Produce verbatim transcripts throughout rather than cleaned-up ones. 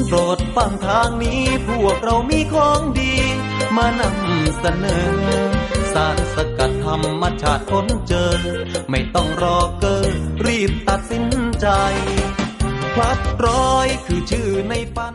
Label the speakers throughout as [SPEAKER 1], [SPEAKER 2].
[SPEAKER 1] โปรดฟังทางนี้พวกเรามีของดีมานำเสนอสารสกัดธรรมชาติค้นเจอไม่ต้องรอเกอรีบตัดสินใจพลัดร้อยคือชื่อในฝัน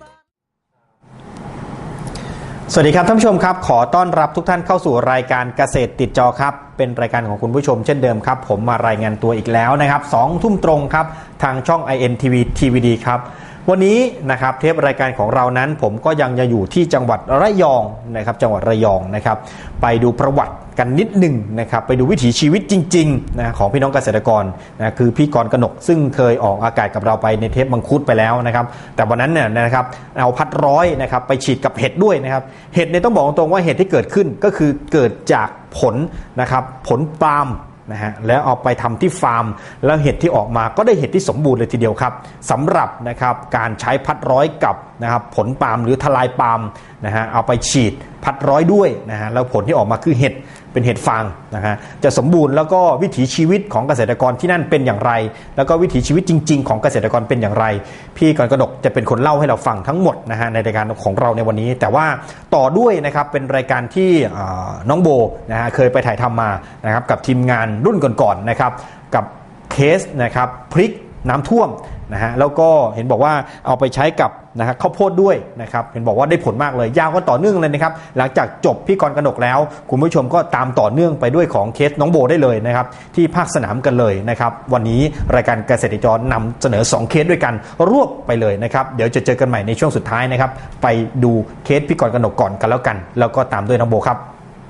[SPEAKER 2] สวัสดีครับท่านผู้ชมครับขอต้อนรับทุกท่านเข้าสู่รายการเกษตรติดจอครับเป็นรายการของคุณผู้ชมเช่นเดิมครับผมมารายงานตัวอีกแล้วนะครับสองทุ่มตรงครับทางช่อง ไอ เอ็น ที วี ที วี ดี ครับวันนี้นะครับเทปรายการของเรานั้นผมก็ยังจะอยู่ที่จังหวัดระยองนะครับจังหวัดระยองนะครับไปดูประวัติกันนิดหนึ่งนะครับไปดูวิถีชีวิตจริงๆนะของพี่น้องเกษตรกรนะคือพี่กรกนกซึ่งเคยออกอากาศกับเราไปในเทปมังคุดไปแล้วนะครับแต่วันนั้นเนี่ยนะครับเอาพัดร้อยนะครับไปฉีดกับเห็ดด้วยนะครับเห็ดเนี่ยต้องบอกตรงๆว่าเห็ดที่เกิดขึ้นก็คือเกิดจากผลนะครับผลปาล์มนะฮะแล้วเอาไปทำที่ฟาร์มแล้วเห็ดที่ออกมาก็ได้เห็ดที่สมบูรณ์เลยทีเดียวครับสำหรับนะครับการใช้พัดร้อยกับนะครับผลปาล์มหรือทลายปาล์มนะฮะเอาไปฉีดพัดร้อยด้วยนะฮะแล้วผลที่ออกมาคือเห็ดเป็นเห็ดฟางนะฮะจะสมบูรณ์แล้วก็วิถีชีวิตของเกษตรกรที่นั่นเป็นอย่างไรแล้วก็วิถีชีวิตจริงๆของเกษตรกรเป็นอย่างไรพี่กรกนกจะเป็นคนเล่าให้เราฟังทั้งหมดนะฮะในรายการของเราในวันนี้แต่ว่าต่อด้วยนะครับเป็นรายการที่น้องโบนะฮะเคยไปถ่ายทำมานะครับกับทีมงานรุ่นก่อนๆนะครับกับเคสนะครับพริกน้ำท่วมนะฮะแล้วก็เห็นบอกว่าเอาไปใช้กับนะฮะข้าวโพดด้วยนะครับเห็นบอกว่าได้ผลมากเลยยาวก็ต่อเนื่องเลยนะครับหลังจากจบพี่กรกนกแล้วคุณผู้ชมก็ตามต่อเนื่องไปด้วยของเคสน้องโบได้เลยนะครับที่ภาคสนามกันเลยนะครับวันนี้รายการเกษตรจรนำเสนอสองเคสด้วยกันรวบไปเลยนะครับเดี๋ยวจะเจอกันใหม่ในช่วงสุดท้ายนะครับไปดูเคสพี่กรกนกก่อนกันแล้วกันแล้วก็ตามด้วยน้องโบครับ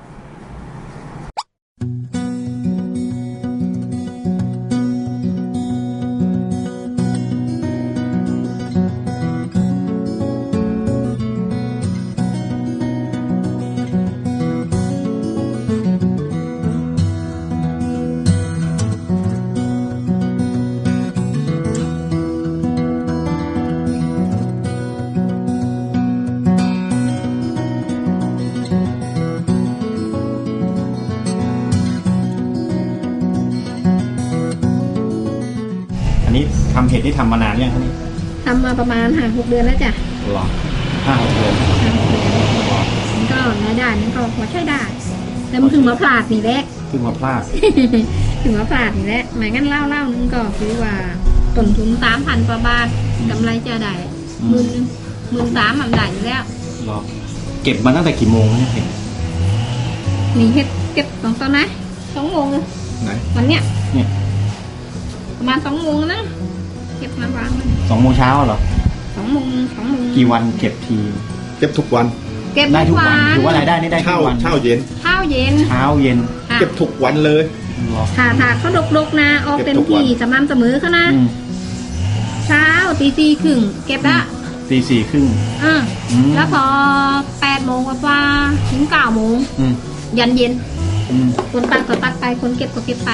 [SPEAKER 2] ทำเห็ดที่ทำมานานยังคะนี่
[SPEAKER 3] ทำมาประมาณห้าหกเดือนแล้วจ้ะ
[SPEAKER 2] หรอห้าหกเดือน
[SPEAKER 3] มันก็รายได้มันก็พอใช้ได้แต่มันถึงมาพลาดนี่แหละ
[SPEAKER 2] ถึงมาพลาด
[SPEAKER 3] ถึงมาพลาดนี่แหละหมายงั้นเล่าเล่านึงก็คือว่าต้นทุนสามพันกว่าบาทกำไรจะได้หมื่นหมื่นสามมันได้อยู่แล้ว
[SPEAKER 2] หรอเก็บมาตั้งแต่กี่โมงเนี่ยเห็ด
[SPEAKER 3] มีเห็ดเก็บตอนตอนไหนสองโมงเลย
[SPEAKER 2] ไหน
[SPEAKER 3] วันเนี้ย
[SPEAKER 2] เนี่ย
[SPEAKER 3] ประมาณสองโมงนะเก็บมาวางเลย
[SPEAKER 2] สองโมงเช้าเหรอ
[SPEAKER 3] สองโมงสองโมง
[SPEAKER 2] กี่วันเก็บที
[SPEAKER 4] เก็บทุกวัน
[SPEAKER 3] เก็บได้ทุกวัน
[SPEAKER 2] ถือว่ารายได้นี่ได้
[SPEAKER 4] ทุกวันเช้าเย็น
[SPEAKER 3] เช้าเย็น
[SPEAKER 2] เช้าเย็น
[SPEAKER 4] เก็บทุกวันเลย
[SPEAKER 3] ถ้าถ้าเขาดกๆนะออกเต็มที่สม่ำเสมอเขานะเช้าตีสี่ครึ่งเก็บละ
[SPEAKER 2] ตีสี่ครึ่ง
[SPEAKER 3] อ่าแล้วพอแปดโมงกว่าถึงเก้าโมงยันเย็นคนตัดก็ตัดไปคนเก็บก็เก็บไป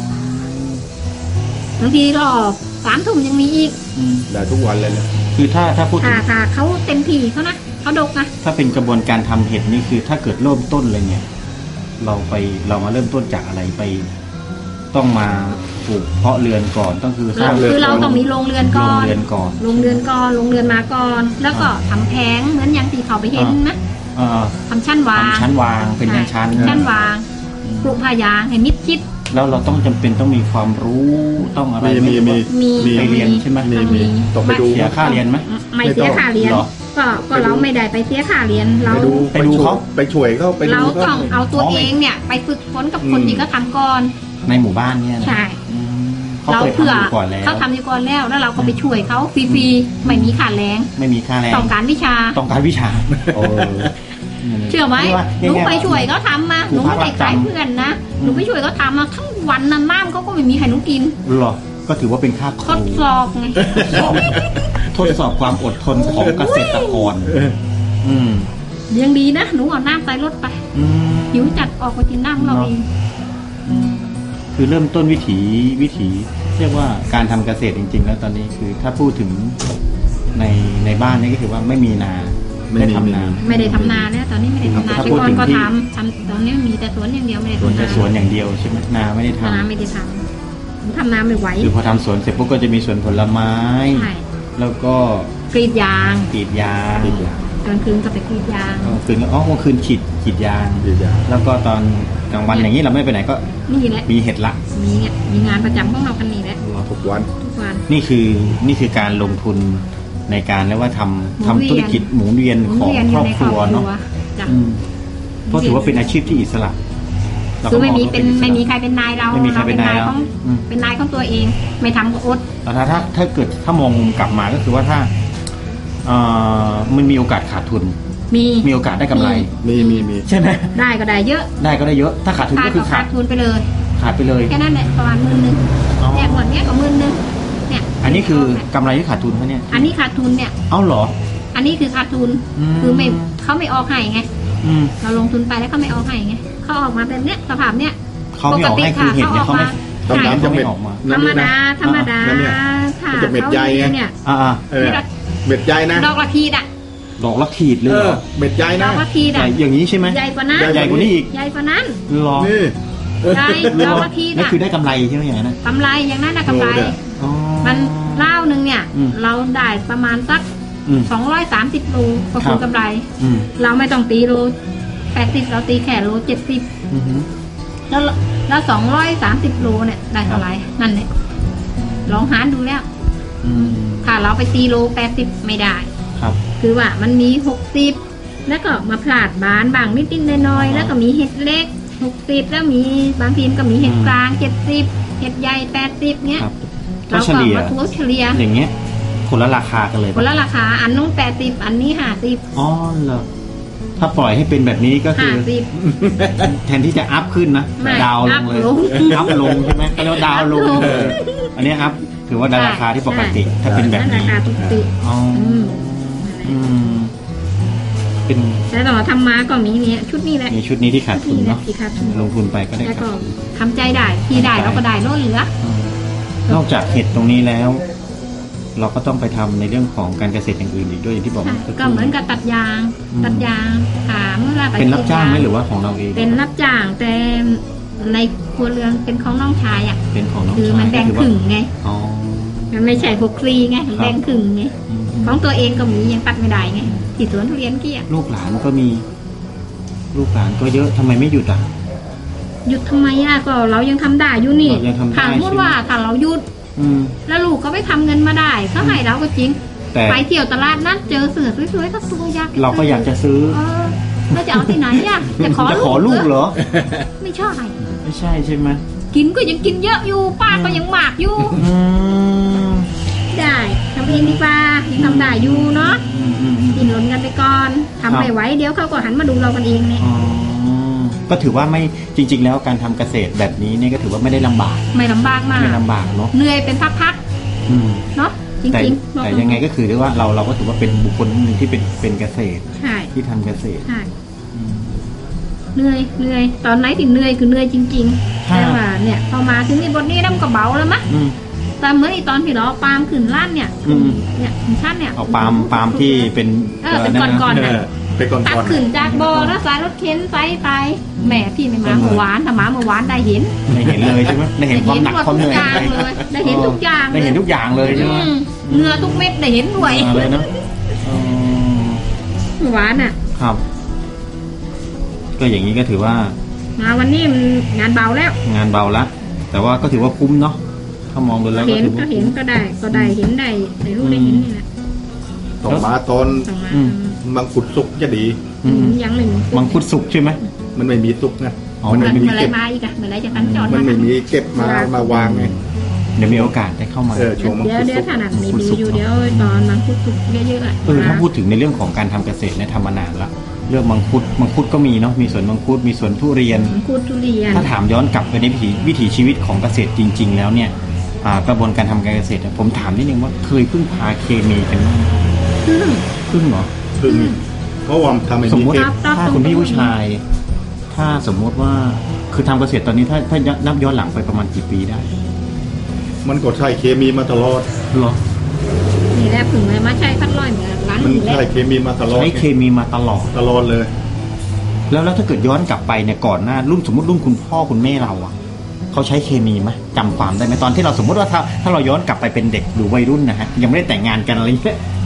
[SPEAKER 3] บางทีรอบสามทุ่มยังมีอีก
[SPEAKER 4] ได้ทุกวันเลยเนี่ย
[SPEAKER 2] คือถ้าถ้าพูด
[SPEAKER 3] ค่ะค่ะเขาเต็มที่เขานะเขาดกนะ
[SPEAKER 2] ถ้าเป็นกระบวนการทำเห็ดนี่คือถ้าเกิดเริ่มต้นเลยเนี่ยเราไปเรามาเริ่มต้นจากอะไรไปต้องมาปลูกเพาะเรือนก่อนต้องคือ
[SPEAKER 3] สร้างคือเราต้องมีโรงเรือนก่อน
[SPEAKER 2] โรงเรือนก่อน
[SPEAKER 3] โรงเรือนก่อนโรงเรือนมาก่อนแล้วก็ทำแผงเหมือนอย่างที่เขาไปเห็นนะทำชั้นวาง
[SPEAKER 2] ชั้นวางเป็นชั้นชั้น
[SPEAKER 3] ชั้นวางปลูกพายางให้มิดชิด
[SPEAKER 2] แล้วเราต้องจำเป็นต้องมีความรู้ต้องอะไร
[SPEAKER 4] มีมี
[SPEAKER 3] มี
[SPEAKER 2] ไปเรียนใช่ไหม
[SPEAKER 4] มีมีต้องไปดู
[SPEAKER 2] เสียค่าเรียนไหม
[SPEAKER 3] ไม่เสียค่าเรียนก็ก็เราไม่ได้ไปเสียค่าเรียนเรา
[SPEAKER 2] ไปดูเขา
[SPEAKER 4] ไปช่วยเขาไปดู
[SPEAKER 3] เราต้องเอาตัวเองเนี่ยไปฝึกฝนกับคนที่เขาทำก่อน
[SPEAKER 2] ในหมู่บ้านเนี่ย
[SPEAKER 3] ใช่เราเผื่อเขาทำอยู่ก่อนแล้วแล้วเราก็ไปช่วยเขาฟรีๆไม่มีค่าแรง
[SPEAKER 2] ไม่มีค่าแรง
[SPEAKER 3] ต้องการวิชา
[SPEAKER 2] ต้องการวิชา
[SPEAKER 3] เชื่อไหมหนูไปช่วยเขาทำมาหนูไม่ได้ขายเพื่อนนะหนูไปช่วยเขาทำมาทั้งวันนั้นน้ำเขาก็ไม่มีใครหนูกิน
[SPEAKER 2] หรอก็ถือว่าเป็นค่า
[SPEAKER 3] ทดสอบไง
[SPEAKER 2] ทดสอบความอดทนของเกษตรกรอืม
[SPEAKER 3] ยังดีนะหนูเอาน้ำใส่รถไปหิวจัดออกไปกินน้ำเราเอง
[SPEAKER 2] คือเริ่มต้นวิถีวิถีเรียกว่าการทำเกษตรจริงๆแล้วตอนนี้คือถ้าพูดถึงในในบ้านนี่ก็คือว่าไม่มีนาไม่ได้ทำนา
[SPEAKER 3] ไม่ได้ทำนาแล้วตอนนี้ไม่ได้ทำนาที่ก่อนก็ทำทำตอนนี้มีแต่สวนอย่างเดียวไม่ได้ทำนา
[SPEAKER 2] แต่สวนอย่างเดียวใช่ไหมนาไม่ได้ทำ
[SPEAKER 3] นาไม่ได้ทำทำนาไม่ไหว
[SPEAKER 2] คือพอทำสวนเสร็จปุ๊บก็จะมีสวนผลไม้แล้วก็
[SPEAKER 3] กรีดยาง
[SPEAKER 2] กรีดยาง
[SPEAKER 4] กรีดยาง
[SPEAKER 3] กลางคืนก็ไปกรีดยาง
[SPEAKER 2] กลางคืนก็อ๋อกลางคืนฉีดฉีดยาง
[SPEAKER 4] กรีดยาง
[SPEAKER 2] แล้วก็ตอนกลางวันอย่างนี้เราไม่ไปไหนก็
[SPEAKER 3] นี่แหละ
[SPEAKER 2] มีเห็ดละ
[SPEAKER 3] มีเนี่ยมีงานประจำของเรากันนี่แหละ
[SPEAKER 4] ทุกวัน
[SPEAKER 3] ทุกวัน
[SPEAKER 2] นี่คือนี่คือการลงทุนในการเรียกว่าทำ
[SPEAKER 3] หมุนเวียน
[SPEAKER 2] ทำธุรกิจหมุนเวียนของ
[SPEAKER 3] เรียน
[SPEAKER 2] ค
[SPEAKER 3] ยู่
[SPEAKER 2] รอบ
[SPEAKER 3] ใน
[SPEAKER 2] ครัวเนาะ
[SPEAKER 3] จ้ะ
[SPEAKER 2] อืมเพราะถือว่าเป็นอาชีพที่อิสระเรา
[SPEAKER 3] คื
[SPEAKER 2] ก็
[SPEAKER 3] อไม่
[SPEAKER 2] ง
[SPEAKER 3] มี
[SPEAKER 2] ว่า
[SPEAKER 3] เป็น
[SPEAKER 2] อิสระ
[SPEAKER 3] ไม่มีใครเป็นนายเรา
[SPEAKER 2] ไม่มีใครเป็นนาย
[SPEAKER 3] เรา
[SPEAKER 2] เรา
[SPEAKER 3] ของ
[SPEAKER 2] อืม
[SPEAKER 3] เป็นนายของตัวเอง ไม่ทำก็อด
[SPEAKER 2] แต่ถ้าถ้าถ้าเกิดถ้ามองมุมกลับมาก็คือว่าถ้าเอ่อมันมีโอกาสขาดทุน
[SPEAKER 3] มี
[SPEAKER 2] มีโอกาสได้กำไร
[SPEAKER 4] มีมีมี
[SPEAKER 2] ใช่ไหม
[SPEAKER 3] ได้ก็ได้เยอะ
[SPEAKER 2] ได้ก็ได้เยอะ ถ้าขาดทุน
[SPEAKER 3] ขาด
[SPEAKER 2] ก็คื
[SPEAKER 3] ก็
[SPEAKER 2] อ
[SPEAKER 3] ขา
[SPEAKER 2] ขา
[SPEAKER 3] ด
[SPEAKER 2] ด
[SPEAKER 3] ทุนไปเลย
[SPEAKER 2] ขาดไปเลย
[SPEAKER 3] แค่นั้นแหละประมาณหมื่นหนึ่ง
[SPEAKER 2] อ๋อ
[SPEAKER 3] เนี่ยหมดเนี้ยก็หมื่นหนึ่งเนี่ย
[SPEAKER 2] อันนี้คือกำไรที่ขาดทุนเขาเนี่ย
[SPEAKER 3] อันนี้ขาดทุนเนี่ย
[SPEAKER 2] เอ้าเหรอ
[SPEAKER 3] อันนี้คือขาดทุน
[SPEAKER 2] อืม
[SPEAKER 3] คือไม่เขาไม่ออกให้ไง
[SPEAKER 2] อืม
[SPEAKER 3] เราลงทุนไปแล้วเขาไม่ออกให้ไงเขาออกมาแบบเนี้ยสภาพเนี้ย
[SPEAKER 2] เขาไม่ออกให้คือเห็ดเนี่ยเขาไม่
[SPEAKER 3] ปกติค่ะ
[SPEAKER 4] ดำๆจะเม็ด
[SPEAKER 2] ออกมา
[SPEAKER 3] ธรรมดาธรรมดา
[SPEAKER 4] นั่นเนี่ย
[SPEAKER 3] ค่ะ
[SPEAKER 4] มันจะเม็ดใยไง
[SPEAKER 3] เนี่ย
[SPEAKER 2] อ่า
[SPEAKER 4] เออเม็ดใหญ่นะ
[SPEAKER 3] ดอกละทีดอะ
[SPEAKER 2] ๆดอกละขีดเลย
[SPEAKER 4] เอ
[SPEAKER 2] เหร
[SPEAKER 4] อ
[SPEAKER 2] อ
[SPEAKER 4] เม็ดใหญ่
[SPEAKER 3] ด
[SPEAKER 4] นะ
[SPEAKER 3] อกละทีด
[SPEAKER 2] ใหญ่
[SPEAKER 3] อะ
[SPEAKER 2] อย่างนี้ใช่ไหม
[SPEAKER 3] ใหญ่กว่านั้น
[SPEAKER 2] ใหญ่กว่านี้อีก
[SPEAKER 3] ใหญ่กว่านั้น
[SPEAKER 2] หรอ
[SPEAKER 4] นี่
[SPEAKER 3] ใหญ่ดอกละทีด
[SPEAKER 2] นั่น
[SPEAKER 3] อะ
[SPEAKER 2] คือได้กำไรใช่ไหมอย่างนั้นนะ
[SPEAKER 3] กำไรอย่างนั้นนะกำไร
[SPEAKER 4] โลเดียว
[SPEAKER 2] อ๋อ
[SPEAKER 3] มันเล่าหนึ่งเนี่ย
[SPEAKER 2] อืม
[SPEAKER 3] เราได้ประมาณสัก
[SPEAKER 2] อืม
[SPEAKER 3] สองร้อยสามสิบโลก็
[SPEAKER 2] ครั
[SPEAKER 3] คือบ กำไร
[SPEAKER 2] อืม
[SPEAKER 3] เราไม่ต้องตีโลแปดสิบเราตีแค่โลเจ็ดสิบ
[SPEAKER 2] อืม
[SPEAKER 3] แล้วแล้วสองร้อยสามสิบโลเนี่ยได้เท่าไหร่นั่นเนี่ยลองหารดูแล้ว
[SPEAKER 2] อืม
[SPEAKER 3] ถ้าเราไปตีโลแปดสิบไม่ได้
[SPEAKER 2] ครับ
[SPEAKER 3] คือว่ามันมีหกสิบแล้วก็มาพลาดบานบางนิดนิดๆน้อย
[SPEAKER 2] อ๋อ
[SPEAKER 3] ๆแล้วก็มีเห็ดเล็กหกสิบแล้วมีบางทีมก็มีเห็ด
[SPEAKER 2] อืม
[SPEAKER 3] กลางเจ็ดสิบเห็ดใหญ่แปดสิบเนี้ย
[SPEAKER 2] ครับ
[SPEAKER 3] เรา
[SPEAKER 2] ก็เฉ
[SPEAKER 3] ก็
[SPEAKER 2] ลี่ย
[SPEAKER 3] มาทั่วเฉลี่ย
[SPEAKER 2] อย่างเงี้ยคนละราคากันเลย
[SPEAKER 3] คนละราคาอันนู้นแปดสิบอันนี้ห้าสิบ
[SPEAKER 2] อ๋อเหรอถ้าปล่อยให้เป็นแบบนี้ก็คื
[SPEAKER 3] ห้า
[SPEAKER 2] อ
[SPEAKER 3] สิบ
[SPEAKER 2] แทนที่จะอัพขึ้นนะ
[SPEAKER 3] ไม่
[SPEAKER 2] ดาวลงเลย
[SPEAKER 3] อัพลง
[SPEAKER 2] อัพลงใช่ไหมก็เรียกว่าดาวลง
[SPEAKER 3] อัพลง
[SPEAKER 2] เอออันนี้อัพถือว่าราคาที่ปกติ ถ้าเป็นแบบ
[SPEAKER 3] รา
[SPEAKER 2] นี้
[SPEAKER 3] คาปกติ
[SPEAKER 2] อ๋อ
[SPEAKER 3] อืม
[SPEAKER 2] อืมเป็น
[SPEAKER 3] แต่ต่อทำมาก็มีเนี่ยชุดนี้แหละ
[SPEAKER 2] ในชุดนี้ที่ขาดทุน
[SPEAKER 3] นี่แหละ
[SPEAKER 2] เนาะ
[SPEAKER 3] ที่ขาดทุน
[SPEAKER 2] ลงทุนไปก็ได้
[SPEAKER 3] แล้ว
[SPEAKER 2] ขา
[SPEAKER 3] ก็
[SPEAKER 2] ดทุน
[SPEAKER 3] ทำใจได้ที่ได้เราก็ได้ลดเหลือ
[SPEAKER 2] อืมนอกจากเห็ดตรงนี้แล้ว เราก็ต้องไปทำในเรื่องของการเกษตรอย่างอื่นอีกด้วยอย่างที่บอก
[SPEAKER 3] ค่ะ
[SPEAKER 2] สั
[SPEAKER 3] ก็เหมือนกับตัดยาง
[SPEAKER 2] อืม
[SPEAKER 3] ตัดยางถามเมื่อไร
[SPEAKER 2] เป็นรับจ้างไหมหรือว่าของเราเอง
[SPEAKER 3] เป็นรับจ้างแต่ในครัวเรือนเป็นของน้องชายอ่ะ
[SPEAKER 2] เป็นของน้อง
[SPEAKER 3] คือ
[SPEAKER 2] ชาย
[SPEAKER 3] มันแบ่ง
[SPEAKER 2] ก็
[SPEAKER 3] ค
[SPEAKER 2] ถือ
[SPEAKER 3] รึ่ง
[SPEAKER 2] ว่า
[SPEAKER 3] ไง
[SPEAKER 2] อ๋อ
[SPEAKER 3] มันไม่ใช่หกฟรีไงมันแบ่งครึ่งไง
[SPEAKER 2] อืม
[SPEAKER 3] ของตัวเองก็มียังตัดไม่ได้ไงที่สวนทุเรียนเกี้ย
[SPEAKER 2] ลูกหลานก็มี ลูกหลานก็เยอะทำไมไม่หยุดอ่ะ
[SPEAKER 3] หยุดทำไมอ่ะก็เรายังทำได้อยู่นี่
[SPEAKER 2] เรายังทำได้
[SPEAKER 3] ถามพูดว่าถ้าเราหยุด
[SPEAKER 2] อืม
[SPEAKER 3] แล้วลูกก็ไปทำเงินมาได้เขาให้เราก็จริง
[SPEAKER 2] แต่
[SPEAKER 3] ไปเที่ยวตลาดนัดเจอเสือสวยๆก็ตัวอยาก
[SPEAKER 2] เราก็อยากจะซื้อ
[SPEAKER 3] เออแล้วจะเอาที่ไหนอ่ะจะขอ
[SPEAKER 2] จะ
[SPEAKER 3] ลูก
[SPEAKER 2] ขอลูกเหรอ
[SPEAKER 3] ไม่ใช่
[SPEAKER 2] ไม่ใช่ใช่ไหม
[SPEAKER 3] กินก็ยังกินเยอะอยู่ป้าก็ยังหมากอยู่
[SPEAKER 2] อืม
[SPEAKER 3] ได้ทำเองดีกว่ายังทำได้อยู่เนาะ
[SPEAKER 2] อืมอืมอืม
[SPEAKER 3] กินหล่นกันไปก่อนทำไม่ไหวเดี๋ยวเขาก็หันมาดูเรากันเองเนี่ย
[SPEAKER 2] อ๋อก็ถือว่าไม่จริง ๆ แล้วการทำเกษตรแบบนี้เนี่ยก็ถือว่าไม่ได้ลำบาก
[SPEAKER 3] ไม่ลำบากมาก
[SPEAKER 2] ไม่ลำบากเนาะ
[SPEAKER 3] เหนื่อยเป็นพัก
[SPEAKER 2] อืม
[SPEAKER 3] ๆเนาะจ
[SPEAKER 2] แต่
[SPEAKER 3] ริงๆบอก
[SPEAKER 2] แต่ยังไงก็คือเรียกว่าเราเราก็ถือว่าเป็นบุคคลหนึ่งที่เป็นเป็นเกษตร
[SPEAKER 3] ใช่
[SPEAKER 2] ที่ทำเกษตร
[SPEAKER 3] ใช่
[SPEAKER 2] อืม
[SPEAKER 3] เหนื่อยเหนื่อยตอนไหนที่เหนื่อยคือเหนื่อยจริงๆ
[SPEAKER 2] ค่ะ
[SPEAKER 3] แต่ว่าเนี่ยพอมาถึงนี่บทนี้แล้วมันก็เบาแล้วมั้ย
[SPEAKER 2] อืม
[SPEAKER 3] แต่เหมื่อนอีตอนที่เราเอาปาล์มขึ้นล้านเนี่ย
[SPEAKER 2] อืม
[SPEAKER 3] เนี่ยถึงชั้นเนี่ย
[SPEAKER 2] เอาปาล์มปาล์มที่เป็น
[SPEAKER 3] เออเป็นก้อนๆ
[SPEAKER 4] เอ
[SPEAKER 3] น่ะ
[SPEAKER 4] อไปก่อน
[SPEAKER 3] ตัด
[SPEAKER 4] ก่อน
[SPEAKER 3] ขึ้นจากบ่อแล้วสายรถเข็นไซไปแหมพี่ไม่มาเมื่อวานถ้ามาเมื่อวานได้เห็น
[SPEAKER 2] ได้เห็นเลยใช่ไหมได้เห็นความหนักความเหนื่อย
[SPEAKER 3] ได้เห็นหมดทุกอย่างเลยได้เห็นทุกอย่าง
[SPEAKER 2] ได้เห็นทุกอย่างเลยใช่ไหม
[SPEAKER 3] อืมเหงื่อทุกเม็ดได้เห็นด้วย
[SPEAKER 2] มาเลยเนาะอืม
[SPEAKER 3] เมื่อวานอ่ะ
[SPEAKER 2] ครับ ก็อย่างนี้ก็ถือว่า
[SPEAKER 3] มาวันนี้มันงานเบาแล้ว
[SPEAKER 2] งานเบาละแต่ว่าก็ถือว่าคุ้มเนาะถ้ามองดูแล้วก็
[SPEAKER 3] เห็น
[SPEAKER 2] ถือ
[SPEAKER 3] ก็
[SPEAKER 2] ว่า
[SPEAKER 3] เห็นก็ได้ ก็ได้เห็นได้ได้รู้ได้เห็นนี่แหละ
[SPEAKER 4] ต้องมาตอน
[SPEAKER 3] ต้องมา
[SPEAKER 2] อืม
[SPEAKER 4] มังคุดสุกจะดี
[SPEAKER 2] อืม
[SPEAKER 3] ยังไม่มี
[SPEAKER 2] มังคุดสุกใช่ไหม
[SPEAKER 4] มันไม่มีสุกนะ
[SPEAKER 2] อ๋อ
[SPEAKER 4] มัน
[SPEAKER 3] เมื่
[SPEAKER 4] ไม่
[SPEAKER 3] อ
[SPEAKER 4] มี
[SPEAKER 3] ไร
[SPEAKER 4] เก็บ
[SPEAKER 3] มาอีกอะเมื่อไรจะตั้งจอด
[SPEAKER 4] มันไม่มีเก็บมามาวางไง
[SPEAKER 2] เดี๋ยวมีโอกาสได้เข้ามา
[SPEAKER 4] เออ ช่วงมัง
[SPEAKER 3] เดี๋ยว
[SPEAKER 4] คุด
[SPEAKER 3] เดี๋ยว
[SPEAKER 4] สุก
[SPEAKER 3] ถนัดนี่ดีอยู่เดี๋ยวตอนมังคุดสุกเยอะๆอะ
[SPEAKER 2] เออถ้าพูดถึงในเรื่องของการทำเกษตรเนี่ยทำมานานละเรื่องมังคุดมังคุดก็มีเนาะมีสวนมังคุดมีสวนทุเรียน
[SPEAKER 3] มังคุดทุเรียน
[SPEAKER 2] ถ้าถามย้อนกลับไปในวิถีวิถีชีวิตของเกษตรจริง ๆ แล้วเนี่ยอ่ากระบวนการทำการเกษตรอะผมถามนิดนึงว่าเคยพึ่งพาเคมีกันบ้างไหม
[SPEAKER 3] ซึ่ง
[SPEAKER 2] พึ่งเหรอ
[SPEAKER 4] พึ่งเพราะว่าทำไม่
[SPEAKER 2] สม
[SPEAKER 4] มี
[SPEAKER 2] มติ
[SPEAKER 4] เก็บ
[SPEAKER 3] ครับ
[SPEAKER 2] ถ้าคุณพี่ผู้ชาย ถ้าสมมติว่าคือทำเกษตรตอนนี้ถ้าถ้านับย้อนหลังไปประมาณกี่ปีได้
[SPEAKER 4] มันก็ใช้เคมีมาตลอด
[SPEAKER 2] เหรอ
[SPEAKER 3] นี่แหละผึ่งเลยมาใช้พัดลอยเหมือนร้าน
[SPEAKER 4] มัน
[SPEAKER 3] นี้แหละ
[SPEAKER 4] ใช้เคมีมาตลอด
[SPEAKER 2] ใช้เคมีมาตลอด
[SPEAKER 4] ตลอดเลย
[SPEAKER 2] แล้วแล้วถ้าเกิดย้อนกลับไปเนี่ยก่อนหน้ารุ่นสมมติรุ่นคุณพ่อคุณแม่เราอ่ะเขาใช้เคมีไหมจำความได้ไหมตอนที่เราสมมติว่าถ้าถ้าเราย้อนกลับไปเป็นเด็กหรือวัยรุ่นนะฮะยังไม่ได้แต่งงานกันอะไรเงี้ย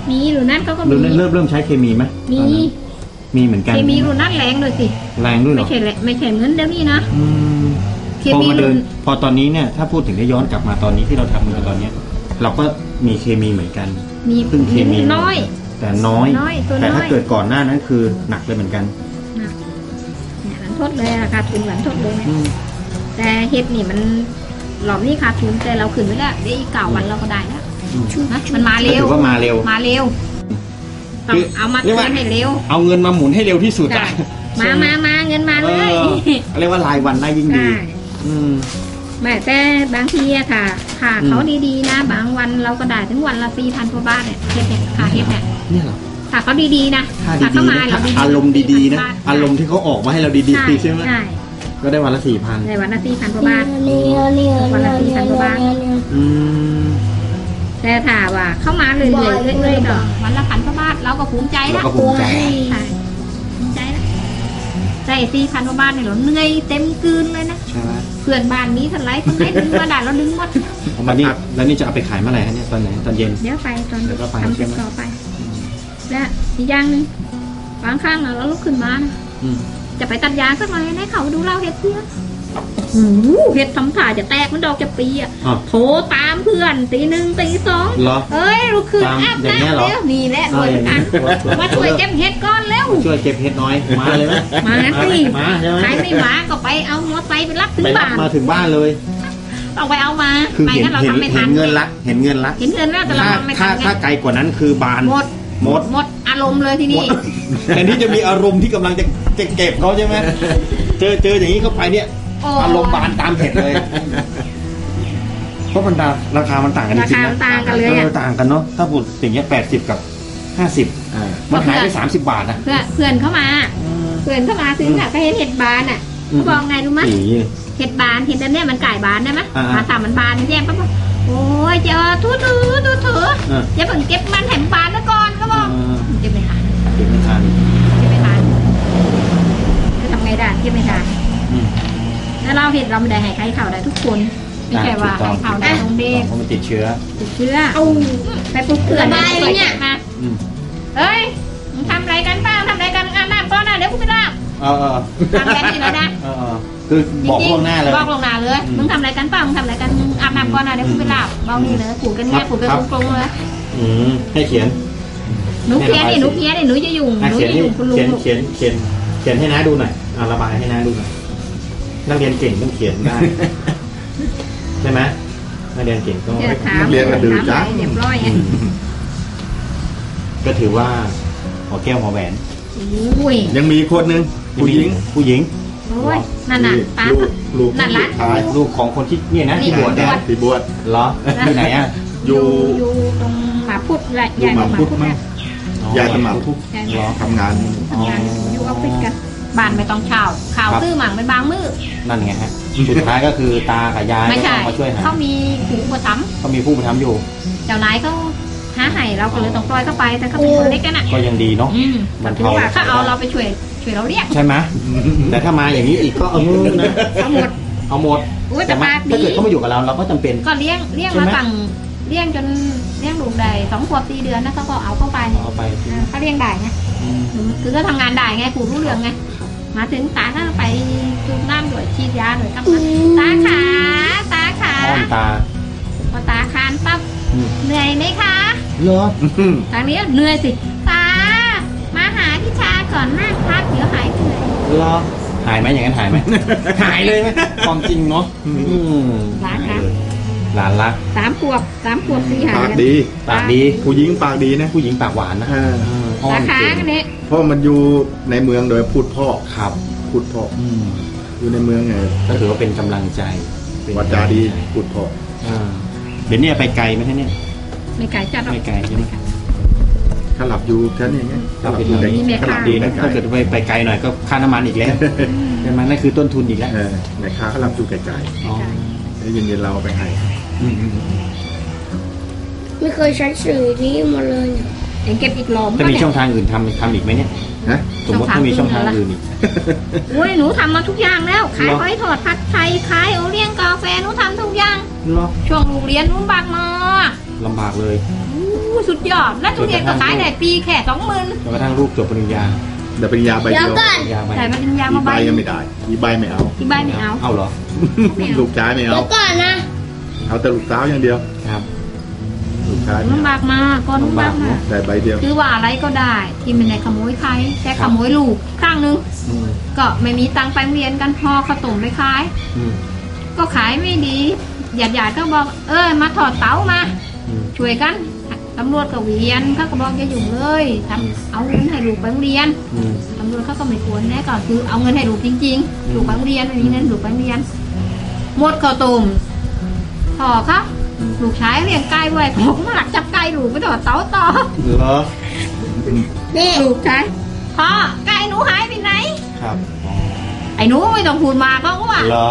[SPEAKER 3] มีรุ่นนั้นเขาก็
[SPEAKER 2] รุ่น
[SPEAKER 3] มี
[SPEAKER 2] นั้นเริ่มเริ่มใช้เคมีไหม
[SPEAKER 3] มี
[SPEAKER 2] ตอนนั้นมีเหมือนกัน
[SPEAKER 3] เคมีรุ่นนั้นแรงเลยสิ
[SPEAKER 2] แรงด้วยเหร
[SPEAKER 3] ไม่
[SPEAKER 2] อ
[SPEAKER 3] ใช่แหละไม่ใช่เหมือนเดี๋ยวนี้นะ
[SPEAKER 2] อืม
[SPEAKER 3] เค
[SPEAKER 2] พอ
[SPEAKER 3] มี
[SPEAKER 2] มาเดิ
[SPEAKER 3] รุ่
[SPEAKER 2] น
[SPEAKER 3] น
[SPEAKER 2] พอตอนนี้เนี่ยถ้าพูดถึงได้ย้อนกลับมาตอนนี้ที่เราทำกันตอนเนี้ย เราก็มีเคมีเหมือนกัน
[SPEAKER 3] มี
[SPEAKER 2] ซึ่งเคมี
[SPEAKER 3] น้อย
[SPEAKER 2] แต่น้อย
[SPEAKER 3] น้อยตัว
[SPEAKER 2] แต่ถ้า
[SPEAKER 3] น้อย
[SPEAKER 2] เกิดก่อนหน้านั้นคือหนักเลยเหมือนกัน
[SPEAKER 3] นะเนี่ยหลังทดเลยราคาทุนหลังทดเลยเนี่ย
[SPEAKER 2] อืม
[SPEAKER 3] แต่เฮ็ดนี่มันหลอมนี่ขาดทุนแต่เราขึ้นไปแล้วได้อีกเก่าวันเราก็ได้แล้ว
[SPEAKER 2] อืม
[SPEAKER 3] นะมันมาเร็ว
[SPEAKER 2] ก็ถือว่ามาเร็ว
[SPEAKER 3] มาเร็วต้อ
[SPEAKER 2] คื
[SPEAKER 3] ง
[SPEAKER 2] อ
[SPEAKER 3] เอามา
[SPEAKER 2] เรียกว่า
[SPEAKER 3] เตือนให้เร็ว
[SPEAKER 2] เอาเงินมาหมุนให้เร็วที่สุด
[SPEAKER 3] ได้
[SPEAKER 2] อะ
[SPEAKER 3] มามามาเงินมา
[SPEAKER 2] เอ
[SPEAKER 3] เลย
[SPEAKER 2] อเรียกว่ารายวันได้ยิ่งดี
[SPEAKER 3] ได้
[SPEAKER 2] อืม
[SPEAKER 3] แม่แต่บางทีอะค่ะค่ะ
[SPEAKER 2] อืม
[SPEAKER 3] เขาดีๆนะ บางวันเราก็ได้ถึงวันละสี่พันกว่าบาทเนี่ยเฮ็ดเนี่ยค่ะเฮ็ดเนี่ย
[SPEAKER 2] เนี่ยเหรอ
[SPEAKER 3] ค่ะเขาดีๆนะ
[SPEAKER 2] ถ้า
[SPEAKER 3] ค่ะ
[SPEAKER 2] ดี
[SPEAKER 3] เขา
[SPEAKER 2] ๆ
[SPEAKER 3] มา
[SPEAKER 2] นะ
[SPEAKER 3] เรา
[SPEAKER 2] ถ้า
[SPEAKER 3] ดีๆ
[SPEAKER 2] อารมณ์ดีๆนะ
[SPEAKER 3] บท
[SPEAKER 2] อารมณ์ที่เขาออกมาให้เราดีๆใช่ไหม
[SPEAKER 3] ใช่
[SPEAKER 2] ก็ได้วันละสี่พัน
[SPEAKER 3] ในวันละสี่พันกว่าบาทวันละสี่พันกว่าบาท
[SPEAKER 2] อืม
[SPEAKER 3] แต่ถ้าว่าเข้ามาเรื่อยๆเรื่อยๆก็วันละพันกว่าบาทเราก็ภูมิใจ
[SPEAKER 2] เรา
[SPEAKER 3] นะ
[SPEAKER 2] ก็ภูมิใจ
[SPEAKER 3] ใช่ภูมิใจนะแต่สี่พันกว่าบาทเนี่ยเราเหนื่อยเต็มกลืนเลยนะ
[SPEAKER 2] ใช่ไหม
[SPEAKER 3] เพื่อนบ้านนี้ทันไรคนไหนดึงมาได้เราดึงหมด
[SPEAKER 2] เอามานี่แล้วนี่จะเอาไปขายเมื่อไหร่ฮะเนี่ยตอนไหนตอนเย็น
[SPEAKER 3] เดี๋ยวไปตอน
[SPEAKER 2] เดี๋ยวก็ไป
[SPEAKER 3] ทำ
[SPEAKER 2] ใช่
[SPEAKER 3] เสร็จ
[SPEAKER 2] ไหม
[SPEAKER 3] ต่อไปและอีกอย่างหนึงบางครั้งอะเราลุกขึ้นมานะ
[SPEAKER 2] อืม
[SPEAKER 3] จะไปตัดยางสักหน่อยให้เขาดูเราเห็ดเพื่อนโอ้โหเห็ดทำถ่ายจะแตกมันดอกจะปีอ่ะ
[SPEAKER 2] อ๋อ
[SPEAKER 3] โทรตามเพื่อนตีหนึ่งตีสอง
[SPEAKER 2] เหรอ
[SPEAKER 3] เอ้ยลุกขึ้น
[SPEAKER 2] ตาม
[SPEAKER 3] อาบ
[SPEAKER 2] อย่างเงี้ย
[SPEAKER 3] น้ำ
[SPEAKER 2] เหรอ
[SPEAKER 3] เร็วนี่แหละ
[SPEAKER 2] เอ
[SPEAKER 3] ร
[SPEAKER 2] อ
[SPEAKER 3] วย
[SPEAKER 2] อย่าง
[SPEAKER 3] กั
[SPEAKER 2] นี้
[SPEAKER 3] นมาช่วยเก็บเห็ดก้อนเร็ว
[SPEAKER 2] ช่วยเก็บเห็ดน้อยมาเลยไหม
[SPEAKER 3] มาสิ
[SPEAKER 2] มาใช่ไหม
[SPEAKER 3] ใครไม่มาก็ไปเอามอเตอร์ไซค์ไปรับถึง
[SPEAKER 2] ไปรับ
[SPEAKER 3] บ้าน
[SPEAKER 2] มาถึงบ้านเลย
[SPEAKER 3] ต้องไปเอามา
[SPEAKER 2] คือ
[SPEAKER 3] ไม่
[SPEAKER 2] เห็น
[SPEAKER 3] งั้นเรา
[SPEAKER 2] เห็น
[SPEAKER 3] ทำไม่
[SPEAKER 2] เห็
[SPEAKER 3] ทั
[SPEAKER 2] น
[SPEAKER 3] น
[SPEAKER 2] เงินละเห็นเงินละ
[SPEAKER 3] เห็นเงินแล้วแต่เรา
[SPEAKER 2] ถ้า
[SPEAKER 3] ทำไม่ทั
[SPEAKER 2] ถ้าน
[SPEAKER 3] ไง
[SPEAKER 2] ถ้าไกลกว่านั้นคือบาน
[SPEAKER 3] หมด
[SPEAKER 2] หมด
[SPEAKER 3] หมดอารมณ์เลยที
[SPEAKER 2] หม
[SPEAKER 3] นี้
[SPEAKER 2] ดแทนที่จะมีอารมณ์ที่กำลังจะจะเก็บเขาใช่ไหมเจอเจออย่างนี้เข้าไปเนี่ย
[SPEAKER 3] โอ้
[SPEAKER 2] อารมณ์บานตามเห็ดเลย เพราะมันราราคามันต่างกันจ
[SPEAKER 3] รา
[SPEAKER 2] ริง
[SPEAKER 3] คา
[SPEAKER 2] ๆ
[SPEAKER 3] มัน
[SPEAKER 2] นะ
[SPEAKER 3] ต่างกันเลย
[SPEAKER 2] เอ
[SPEAKER 3] อ่ะ
[SPEAKER 2] อต่างกันเนาะถ้าพูดอย่างเงี้ยแปดสิบกับห้าสิบ
[SPEAKER 4] อ่า
[SPEAKER 2] มันหายไปสามสิบบาทนะ
[SPEAKER 3] เพื่อนเพื่อนเข้ามา เพื่อนเข้ามาซื้อค่ะก็เห็นเห็ดบานอ่ะ
[SPEAKER 2] อืม
[SPEAKER 3] เขาบอกไงรู้ไหม
[SPEAKER 2] อี
[SPEAKER 3] เห็ดบานเห็ดอันเนี้ยมันไก่บานได้ไหม
[SPEAKER 2] อ่าๆ
[SPEAKER 3] มาทำมันบานแย่ปั๊บบอกโอ้ยเจ้าทุถือทุถือ
[SPEAKER 2] อ่า
[SPEAKER 3] อย่าเพิ่งเก็บมันแถมบานแล้วก่อนก็บอก
[SPEAKER 2] เออ
[SPEAKER 3] เก็บไม่ทัน
[SPEAKER 2] เก็บไม่ทัน
[SPEAKER 3] เก็บไม่ทันจะทำไงได้เก็บไม่ทัน
[SPEAKER 2] อืม
[SPEAKER 3] แล้วเราเห็ดเราไม่ได้ให้ใครเขาได้ทุกคนไม่ใช่ว่าให้เขาได้ตรงเด็ก
[SPEAKER 2] เพราะมันติดเชื้อ
[SPEAKER 3] ติดเชื้อไปปลุกเพื่อนเนี่ยมา
[SPEAKER 2] อืม
[SPEAKER 3] เอ้ยมึงทำอะไรกันเปล่าทำอะไรกันอาบน้ำก่อนนะเดี๋ยวกูไปรับ
[SPEAKER 2] เออเออ
[SPEAKER 3] ทำแบบนี้แล้วนะ
[SPEAKER 2] เออเออคือบอกล่วงหน้าเลย
[SPEAKER 3] บอกลวงหน้าเลย
[SPEAKER 2] อืม
[SPEAKER 3] มึงทำอะไรกันเปล่ามึงทำอะไรกันมึงอาบน้ำก่อนนะเดี๋ยวกูไปรับเบานี่เลยขูดกันแง่ขูดกัน
[SPEAKER 2] ครับ
[SPEAKER 3] ตรงๆเลย
[SPEAKER 2] อืมให้เขียน
[SPEAKER 3] หนูเพี้ยนนี่หนูเพี้ยนนี่หนูจะยุ่ง
[SPEAKER 2] อ่ะ
[SPEAKER 3] หนู
[SPEAKER 2] เขียน
[SPEAKER 3] จะ
[SPEAKER 2] ให้
[SPEAKER 3] ยุ่งคุณลุ
[SPEAKER 2] เขียน
[SPEAKER 3] ง
[SPEAKER 2] เขียนเขียนเขียนให้น้าดูหน่อยอ่ะระบายให้น้าดูหน่อยนักเรียนเก่งต้องเขียนได้ ใช่ไหมนักเรียนเก่งต้อง
[SPEAKER 3] เดี๋ยวถาม
[SPEAKER 4] เรียนกระดือจ้า
[SPEAKER 3] ถามอะไรเรียบร้อยไง
[SPEAKER 2] ก็ถือว่าหัวแก้วหัวแหวน
[SPEAKER 3] โอ้ย
[SPEAKER 4] ยังมีคนหนึ่งผู้หญิง
[SPEAKER 2] ผู้หญิง
[SPEAKER 3] โอ้ยนั่นน่ะตา
[SPEAKER 4] ลูกลูก
[SPEAKER 3] นั่น
[SPEAKER 4] สุ
[SPEAKER 3] ร้าน
[SPEAKER 4] ดท้าย
[SPEAKER 2] ลูกของคนที่เนี่ยนะที่บวช
[SPEAKER 3] นี่
[SPEAKER 2] เนี่ย
[SPEAKER 4] ที่บวช
[SPEAKER 2] เหรอที่ไหนอ่ะ
[SPEAKER 4] อยู่
[SPEAKER 3] อยู่ตรงหมาพุดใหญ่
[SPEAKER 4] อยู่
[SPEAKER 3] ใหญ่กว่าหมาพุด
[SPEAKER 4] หมาพุดมั้
[SPEAKER 3] นะ
[SPEAKER 4] ง ยายสมัคร
[SPEAKER 3] ใหญ่
[SPEAKER 2] เหรอ
[SPEAKER 4] ทำงาน
[SPEAKER 3] ทำงานอยู่ออฟฟิศกันบ้านไม่ต้องเช่าข่าวซื้อหมังเป็นบางมือ
[SPEAKER 2] นั่นไงฮะสุดท้ายก็คือตากับยาย
[SPEAKER 3] ไม่
[SPEAKER 2] ก็
[SPEAKER 3] ใช่
[SPEAKER 2] ต้องมาช่วยหา
[SPEAKER 3] เขามีผูกประทับ
[SPEAKER 2] เขามีผู้ประทับอยู่
[SPEAKER 3] เจ้านายเขาหาให้เราก็เลยต้องปล่อยเข้าไปแต่เขาเป็นคนเล็กกันอ่ะ
[SPEAKER 2] ก็ยังดีเนาะ
[SPEAKER 3] อืม
[SPEAKER 2] มัน
[SPEAKER 3] ถือ
[SPEAKER 2] เท่า
[SPEAKER 3] ว่าเขาเอาเราไปช่วยช่วยเราเรียก
[SPEAKER 2] ใช่ไหมแต่ถ้ามาอย่างนี้อีกก็เออนะ
[SPEAKER 3] เอาหมด
[SPEAKER 2] เอาหมด
[SPEAKER 3] อุ้ยแต่
[SPEAKER 2] แต่มา
[SPEAKER 3] ปาก
[SPEAKER 2] ถ้า
[SPEAKER 3] ดี
[SPEAKER 2] เกิดเขามาอยู่กับเราเราก็จำเป็น
[SPEAKER 3] ก็เลี้ยงเลี้ยง
[SPEAKER 2] ใช่
[SPEAKER 3] มา
[SPEAKER 2] ไหม
[SPEAKER 3] ตั้งเลี้ยงจนเลี้ยงลูกได้สองขวบสี่เดือนนะเขาก็เอาเข้าไป
[SPEAKER 2] เอาไป
[SPEAKER 3] อ่าเขาเลี้ยงได้ไง
[SPEAKER 2] อืม
[SPEAKER 3] คือก็ทำงานได้ไงผูรู้เรื่องไงมาถึงตาก็ไปจูบน้ำด้วยฉีดยาด้วยกับมันตาขาตาขา
[SPEAKER 2] อ้อนตา
[SPEAKER 3] พอตาคานปั๊บ
[SPEAKER 2] อืม
[SPEAKER 3] เหนื่อยไหมคะ
[SPEAKER 2] เหรอ
[SPEAKER 3] ทางนี้เหนื่อยสิตามาหาพี่ชาก่อนนั่งพักเดี๋ยวหายเหนื่อย
[SPEAKER 2] เหรอหายไหมอย่างนั้นหายไหม หายเลยไหมความจริงเนาะอืม
[SPEAKER 3] หลานรัก
[SPEAKER 2] หลานรัก
[SPEAKER 3] สามขวบสามขวบสี่หา
[SPEAKER 4] ปาก
[SPEAKER 3] กัน
[SPEAKER 4] ดี
[SPEAKER 2] ปากดี
[SPEAKER 4] ผู้หญิงปากดีนะ
[SPEAKER 2] ผู้หญิงปากหวานนะ
[SPEAKER 4] อ่า
[SPEAKER 2] อืมอ้อ
[SPEAKER 3] ตาน ขา
[SPEAKER 2] เก่ง
[SPEAKER 3] กันเนี่ย
[SPEAKER 4] เพราะมันอยู่ในเมืองโดยพูดพ่อ
[SPEAKER 2] ครับ
[SPEAKER 4] พูดพ่อ
[SPEAKER 2] อืม
[SPEAKER 4] อยู่ในเมืองไง
[SPEAKER 2] ก็ถือว่าเป็นกำลังใจเป็น
[SPEAKER 4] วาจาดีพูดพ่อ
[SPEAKER 2] อ่าเดี๋ยวเนี้ไปไกลไหมท่านเนี่ย
[SPEAKER 3] ไม่ไก่จัดหรอก
[SPEAKER 2] ไม่ไกลใช่ไหม
[SPEAKER 4] ถ้าหลับอยู่แค่นี้ไงถ้าหลับอยู่
[SPEAKER 3] มีแม่
[SPEAKER 4] ถ้าห
[SPEAKER 3] ค้า
[SPEAKER 4] ลับ
[SPEAKER 2] ดี
[SPEAKER 4] อยู่
[SPEAKER 2] นะ
[SPEAKER 4] ไกล
[SPEAKER 2] ถ้าเกิดไปไปไกลหน่อยก็ค่าน้ำมันอีกแล้วใช่ไหมนั่นคือต้นทุนอีกแล้ว
[SPEAKER 4] เออแม่ค้าเขาหลับอยู่ไกล
[SPEAKER 2] อ๋อ
[SPEAKER 4] ๆแล้วเย็นๆเราเอาไปให้
[SPEAKER 2] อืมอืม
[SPEAKER 5] ไม่เคยใช้สื่อนี้มาเลยเนี่ย
[SPEAKER 3] เองเก็บอีกหลอม
[SPEAKER 2] จะมี
[SPEAKER 3] เนี่ย
[SPEAKER 2] ช่องทางอื่นทำทำอีกไหมเนี่ย
[SPEAKER 4] ฮะ
[SPEAKER 2] สมมติถ้ามีช่องทางอื่นอีก
[SPEAKER 3] โอ้ยหนูทำมาทุกอย่างแล้ว ขาย
[SPEAKER 2] เหรอ
[SPEAKER 3] หอยทอดผัดไทยขายโอเลี้ยงกาแฟหนูทำทุกอย่าง
[SPEAKER 2] เหรอ
[SPEAKER 3] ช่วงลูกเรียนหนูบักมา
[SPEAKER 2] อลำบากเลย
[SPEAKER 3] อู้สุดยอดแล้วทุเรียนก็ขายได้ปีแค่สองหมื่น
[SPEAKER 2] จนกระทั่งลูกจบปริญญา
[SPEAKER 4] แต่ปริญญาใบ
[SPEAKER 5] เดี๋
[SPEAKER 4] เดี
[SPEAKER 5] ย
[SPEAKER 4] ยว ว
[SPEAKER 5] ก่อน
[SPEAKER 2] ปริญญาไป
[SPEAKER 3] แต่ปริญญา
[SPEAKER 4] อี
[SPEAKER 3] มา
[SPEAKER 4] ใบ
[SPEAKER 3] ใบ
[SPEAKER 4] ยังไม่ได้อีใบไม่เอา
[SPEAKER 3] ที่ใบไม่เอา
[SPEAKER 2] เอาเหรอ
[SPEAKER 4] ลูกชายไม่
[SPEAKER 5] เดี๋ย
[SPEAKER 4] เอา
[SPEAKER 5] วก่อนนะ
[SPEAKER 4] เอาแต่ลูกสาวอย่างเดียว
[SPEAKER 2] ครับ
[SPEAKER 4] ลูกชายไม่
[SPEAKER 3] ลำ
[SPEAKER 4] เอา
[SPEAKER 3] บากมากก็ลำบากมาก
[SPEAKER 4] แต่ใบเดียว
[SPEAKER 3] คือว่าอะไรก็ได้ที่ไม่ได้ขโมยใครแต่ขโมยลูกข้างนึง
[SPEAKER 2] อืม
[SPEAKER 3] ก็ไม่มีตังค์ไปโรงเรียนกันพอข้าวต้มไปขาย
[SPEAKER 2] อืม
[SPEAKER 3] ก็ขายไม่ดีหยาดหยาดๆก็บอกเออมาถอดเต๋ามา
[SPEAKER 2] อืม
[SPEAKER 3] ช่วยกันตำรวจก็เวียนเขาก็บอกอย่ายุ่งเลยทำเอาเงินให้ลูกไปโรงเรียน
[SPEAKER 2] อืม
[SPEAKER 3] ตำรวจเขาก็ไม่ควรแน่ก็คือเอาเงินให้ลูกจริง
[SPEAKER 2] อืม
[SPEAKER 3] ๆลูกไปโรงเรียนไม่มีเงินลูกไปโรงเรียนหมดข้าวต้มพอครับลูกชายเลี้ยงไก่ไว้ผมมาหลักจับไก่ลูกไปถอดเต๋าต่อ
[SPEAKER 2] เหรอ
[SPEAKER 5] นี่
[SPEAKER 3] ลูกชายพ่อไก่หนูหายไปไหน
[SPEAKER 2] ครับ
[SPEAKER 3] ไอ้หนูไม่ต้องพูดมาก็ว่า
[SPEAKER 2] เหรอ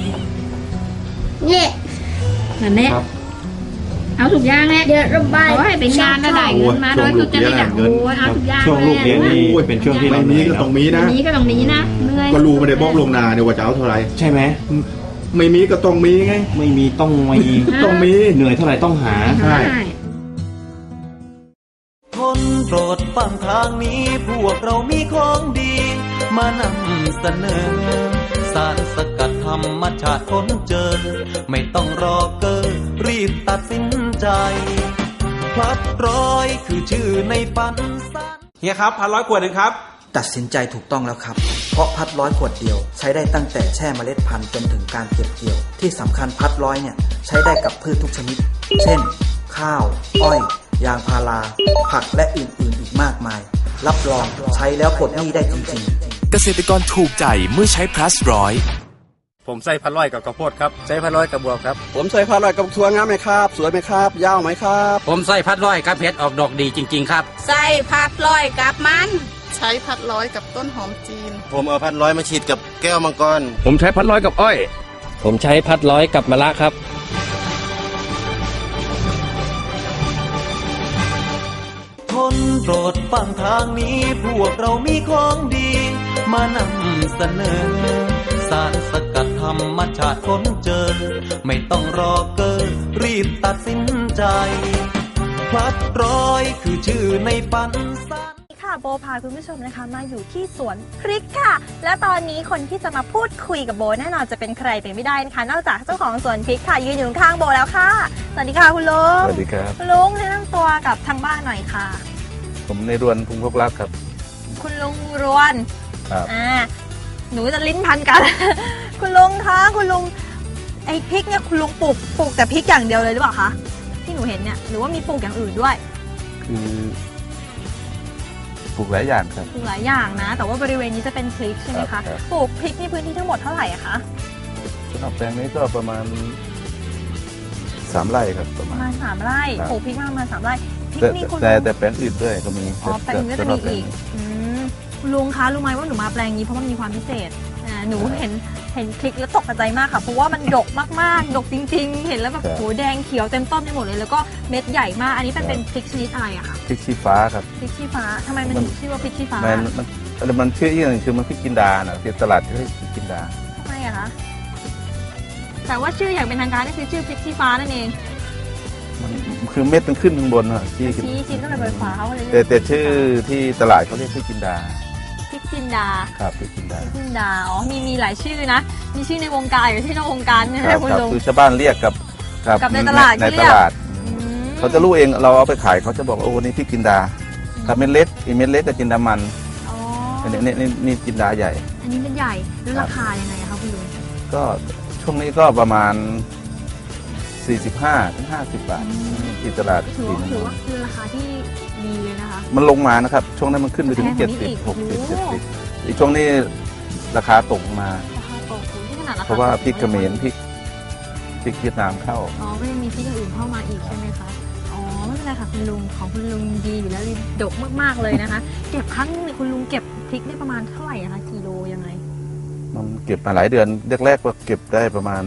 [SPEAKER 5] นี่
[SPEAKER 3] นั่นแหละ
[SPEAKER 2] ครับ
[SPEAKER 3] เอาทุกอย่างแหละ
[SPEAKER 5] เดี๋ยวระบาย
[SPEAKER 3] ขอให้เป็นงานแล้วได้เงินมาโดยทุจริตอย่างโอ้ยเอาทุกอย่าง
[SPEAKER 2] ช่วงลูกเรียนนี่เป็นช่วงที่เรา
[SPEAKER 4] ไม่มีก็ต้องมีนะ
[SPEAKER 3] นี้ก็ต้องนี้นะเหนื่อย
[SPEAKER 4] ก็รู้ไม่ได้บอกลวงหนาเนี่ยว่าจะเอาเท่าไหร่
[SPEAKER 2] ใช่ไหม
[SPEAKER 4] ไม่มีก็ต้องมีไง
[SPEAKER 2] ไม่มีต้องมี
[SPEAKER 4] ต้องมี
[SPEAKER 2] เหนื่อยเท่าไหร่ต้องหา
[SPEAKER 4] ใช่
[SPEAKER 1] ทนโปรดฟังทางนี้พวกเรามีของดี มานำเสนอ สารสกัดธรรมชาติค้นเจอ ไม่ต้องรอเกอรีบตัดสินใจพลัดร้อยคือชื่อในฝันสัน
[SPEAKER 6] เฮียครับพันร้อยขวดหนึ่งครับ
[SPEAKER 7] ตัดสินใจถูกต้องแล้วครับ เพราะพัดร้อยขวดเดียวใช้ได้ตั้งแต่แช่เมล็ดพันธุ์จนถึงการเก็บเกี่ยว ที่สำคัญพัดร้อยเนี่ยใช้ได้กับพืชทุกชนิด เช่น ข้าว อ้อย ยางพารา ผักและอื่นๆอีกมากมาย รับรองใช้แล้วปลดหนี้ได้จริงๆ
[SPEAKER 8] เกษตรกรถูกใจเมื่อใช้ plus ร้อย
[SPEAKER 6] ผมใส่พันร้อยกับข้าวโพดครับใส่พันร้อยกับบวบครับ
[SPEAKER 9] ผมใส่พันร้อยกับทัวงามไหมครับ สวยไหมครับ ยาวไหมครับ
[SPEAKER 6] ผมใส่พันร้อยกับเพชรออกดอกดีจริงๆครับ
[SPEAKER 10] ใส่ผัดลอยกับมัน
[SPEAKER 11] ใช้พัดร้อยกับต้นหอมจีน
[SPEAKER 9] ผมเอาพันร้อยมาฉีดกับแก้วมังกร
[SPEAKER 6] ผมใช้พันร้อยกับอ้อย ผมใช้พันร้อยกับมะระครับ
[SPEAKER 1] ทนโปรดฟังทางนี้พวกเรามีของดี มานำเสนอ สารสกัดธรรมชาติค้นเจอ ไม่ต้องรอเกอรีบตัดสินใจพลัดร้อยคือชื่อในฝันสัน
[SPEAKER 10] ค่ะโบพาคุณผู้ชมนะคะมาอยู่ที่สวนพริกค่ะ และตอนนี้คนที่จะมาพูดคุยกับโบแน่นอนจะเป็นใครไปไม่ได้นะคะนอกจากเจ้าของสวนพริกค่ะยืนอยู่ข้างโบแล้วค่ะสวัสดีค่ะคุณลุง
[SPEAKER 9] สวัสดีครับ
[SPEAKER 10] คุณลุงแนะนำตัวกับทางบ้านหน่อยค่ะ
[SPEAKER 9] ผมในรวนพุงพกรักครับ
[SPEAKER 10] คุณลุงรวน
[SPEAKER 9] ครับ
[SPEAKER 10] อ่าหนูจะลิ้นพันกัน คุณลุงคะคุณลุงไอ้พริกเนี่ยคุณลุงปลูกปลูกแต่พริกอย่างเดียวเลยหรือเปล่าคะที่หนูเห็นเนี่ยหรือว่ามีปลูกอย่างอื่นด้วย
[SPEAKER 9] คือปลูกหลายอย่างครับ
[SPEAKER 10] ปลูกหลายอย่างนะ แต่ว่าบริเวณนี้จะเป็นพริกใช่ไหม
[SPEAKER 9] ครั
[SPEAKER 10] คะ
[SPEAKER 9] บครับ
[SPEAKER 10] ปลูกพริกในพื้นที่ทั้งหมดเท่าไหร่อะคะ
[SPEAKER 9] สำหรับแปลงนี้ก็ประมาณสามไร่ครับประ
[SPEAKER 10] ป
[SPEAKER 9] มา
[SPEAKER 10] ระ
[SPEAKER 9] ณ
[SPEAKER 10] มาณสามไร่
[SPEAKER 9] ครับ
[SPEAKER 10] ปลูกพริกมาประมาณสามไร่พริก
[SPEAKER 9] แต่
[SPEAKER 10] นี่คุณ
[SPEAKER 9] แต่
[SPEAKER 10] ลุง
[SPEAKER 9] แต่แปลงอื่นด้วยก็มี
[SPEAKER 10] อ๋อแปลงนี้ก็จะมีอีกอืมคุณลุงคะรู้ไหมว่าหนูมาแปลงนี้เพราะมันมีความพิเศษอ่าหนูเห็นเห็นพริกแล้วตกใจมากค่ะเพราะว่ามันดกมากๆดกจริง ๆ เห็นแล้วแบบโหแดงเขียวเต็มต้นไปหมดเลยแล้วก็เม็ดใหญ่มากอันนี้เป็นเป็นพริกชนิดอะไรอะคะ
[SPEAKER 9] พริกชี้ฟ้าครับ
[SPEAKER 10] พริกชี้ฟ้าทำไมมันถึงชื่อว่าพริกชี้ฟ้า
[SPEAKER 9] มันมันมันมันชื่ออีกอย่างคือมันพริกจินดานะที่ตลาดที่เรียกพริกจินดา
[SPEAKER 10] ทำไมอะคะแต่ว่าชื่ออย่างเป็นทางการก็คือชื่อพริกชี้ฟ้านั่นเอง
[SPEAKER 9] มันคือเม็ดมันขึ้นข้างบนอะที่
[SPEAKER 10] ชี้ชี้ก็เลยเปิดฟ้าเขาเลยเรียก
[SPEAKER 9] แต่แต่ชื่อที่ตลาดเขาเรียกพริกจินดา
[SPEAKER 10] พริกจินดา
[SPEAKER 9] ครับพริกจินดา
[SPEAKER 10] พริกจินดาอ๋อมีมีหลายชื่อนะมีชื่อในวงการกับชื่อนอกวงการใช่ไหม
[SPEAKER 9] ครับ
[SPEAKER 10] คุณ
[SPEAKER 9] ครับ
[SPEAKER 10] ลุง
[SPEAKER 9] คือชาวบ้านเรียกกับ
[SPEAKER 10] กับในตลาด
[SPEAKER 9] ใน
[SPEAKER 10] เขาเรี
[SPEAKER 9] ต
[SPEAKER 10] ยก
[SPEAKER 9] ลาด
[SPEAKER 10] อืม
[SPEAKER 9] เขาจะรู้เองเราเอาไปขายเขาจะบอกว่าโอ้นี่พริกจินดาถ้าเม็ดเล็กอีเม็ดเล็กกับจินดามัน
[SPEAKER 10] อ๋อ
[SPEAKER 9] อันนี้นี่นี่นี่จินดาใหญ่
[SPEAKER 10] อันนี้เป็นใหญ่แล้วราคายังไงอะคะคุณลุง
[SPEAKER 9] ก็ช่วงนี้ก็ประมาณ สี่สิบห้าถึงห้าสิบบาทที่ตลาด
[SPEAKER 10] ถือ
[SPEAKER 9] สี
[SPEAKER 10] ว่า
[SPEAKER 9] น้ำ
[SPEAKER 10] ถือ
[SPEAKER 9] มัน
[SPEAKER 10] ว่าคือราคาที่ดีเลยนะคะ
[SPEAKER 9] มันลงมานะครับ ช่วงนั้นมันขึ้นไปถึง
[SPEAKER 10] แพงก
[SPEAKER 9] เจ็
[SPEAKER 10] ว่า
[SPEAKER 9] ด
[SPEAKER 10] นี้
[SPEAKER 9] สิบ
[SPEAKER 10] อีก
[SPEAKER 9] หกสิบ
[SPEAKER 10] โอ้
[SPEAKER 9] เจ็ด
[SPEAKER 10] โห
[SPEAKER 9] สิบอีกช่วงนี้ราคาตกมา
[SPEAKER 10] ราคาตกสูงที่ขนาดราคา
[SPEAKER 9] เพราะว่า
[SPEAKER 10] ตก
[SPEAKER 9] พริกเขมรพริกพริกเวียดนามเข้า
[SPEAKER 10] อ๋อก็ยังมีพริกอย่างอื่นเข้ามาอีกใช่ไหมคะอ๋อไม่เป็นไรค่ะคุณลุงของคุณลุงดีอยู่แล้วดกมากๆเลยนะคะ เก็บครั้งนึงเนี่ยคุณลุงเก็บพริกได้ประมาณเท่าไหร่อะคะกิโลยังไง
[SPEAKER 9] มันเก็บมาหลายเดือนแรกๆก็เก็บได้ประมาณ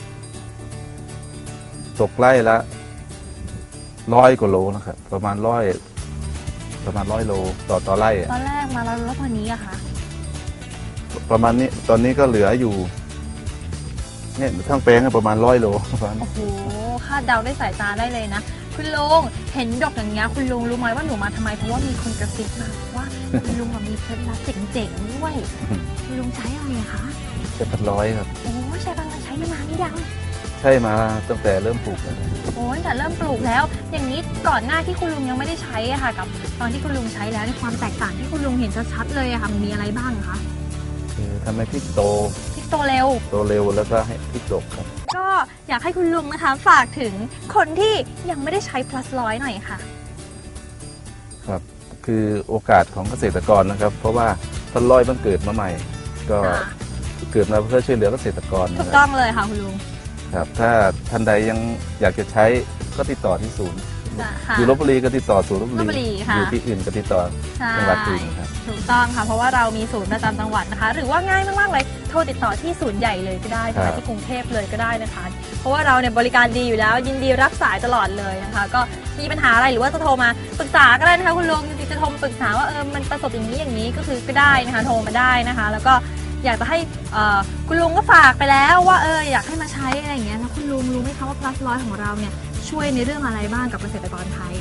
[SPEAKER 9] ตกไร่ละร้อยกว่าโลนะครับประมาณร้อยประมาณร้อยโลต่อต่อไร่อะ
[SPEAKER 10] ตอนแรกมาแล้วแล้วตอนนี้อะคะ
[SPEAKER 9] ประมาณนี้ตอนนี้ก็เหลืออยู่เนี่ยทั้งแปลงอะประมาณร้อยโลประมาณ
[SPEAKER 10] โอ้โหคาดเดาได้สายตาได้เลยนะคุณลุงเห็นดอกอย่างเงี้ยคุณลุงรู้ไหมว่าหนูมาทำไมเพราะว่ามีคนกระซิบมาว่าคุณลุงมีเคล็ดลับเจ๋งๆด้วยคุณลุงใช้อะไรอะคะ
[SPEAKER 9] ใช้พัดร้อยครับ
[SPEAKER 10] โอ้ใช้พัดร้อยใช้มานานหรือยัง
[SPEAKER 9] ใช่มาตั้งแต่เริ่มปลูกเลย
[SPEAKER 10] โอ้ตั้งแต่เริ่มปลูกแล้ว อย่างนี้ก่อนหน้าที่คุณลุงยังไม่ได้ใช้อะค่ะกับตอนที่คุณลุงใช้แล้วในความแตกต่างที่คุณลุงเห็นชัดๆเลยอะค่ะมันมีอะไรบ้างคะ
[SPEAKER 9] คือทำให้พริกโต
[SPEAKER 10] พริกโตเร็ว
[SPEAKER 9] โตเร็วแล้วก็ให้พริกดกครับ
[SPEAKER 10] ก็อยากให้คุณลุงนะคะฝากถึงคนที่ยังไม่ได้ใช้ plus ร้อยหน่อยค่ะ
[SPEAKER 9] ครับคือโอกาสของเกษตรกรนะครับ เพราะว่าพัดร้อยมันเกิดมาใหม่ ก็เกิดมาเพื่อช่วยเหลือเกษตรกร
[SPEAKER 10] ถู
[SPEAKER 9] นะ
[SPEAKER 10] ก
[SPEAKER 9] ค
[SPEAKER 10] ต้
[SPEAKER 9] รั
[SPEAKER 10] อบ งเลยค่ะคุณลุง
[SPEAKER 9] ครับถ้าท่านใดยังอยากจะใช้ก็ติดต่อที่ศูนย์
[SPEAKER 10] ค่ะ
[SPEAKER 9] อยู่ลพบุรีก็ติดต่อศูนย์ลพบุ
[SPEAKER 10] ลพบุรี
[SPEAKER 9] รี
[SPEAKER 10] ค่ะ
[SPEAKER 9] อยู่ที่อื่นก็ติดต่อ
[SPEAKER 10] ใช่
[SPEAKER 9] จังหวัดอื่นครับ
[SPEAKER 10] ถูกต้องค่ะเพราะว่าเรามีศูนย์ประจำจังหวัดนะคะ หรือว่าง่ายมากๆเลยโทรติดต่อที่ศูนย์ใหญ่เลยก็ได้นะคะที่กรุงเทพเลยก็ได้นะคะ เพราะว่าเราเนี่ยบริการดีอยู่แล้วยินดีรับสายตลอดเลยนะคะ ก็มีปัญหาอะไรหรือว่าจะโทรมาปรึกษาก็ได้นะคะคุณลุงจริงๆจะโทรมาปรึกษาว่าเออมันประสบอย่างนี้อย่างนี้ก็คือก็ได้นะคะโทรมาได้นะคะ แล้วก็อยากจะให้คุณลุงก็ฝากไปแล้วว่าเอออยากให้มาใช้อะไรอย่างเงี้ยแล้วคุณลุงรู้ไหมคะว่า plus ร้อยของเราเนี่ยช่วยในเรื่องอะไรบ้างกับเกษตรกรไทย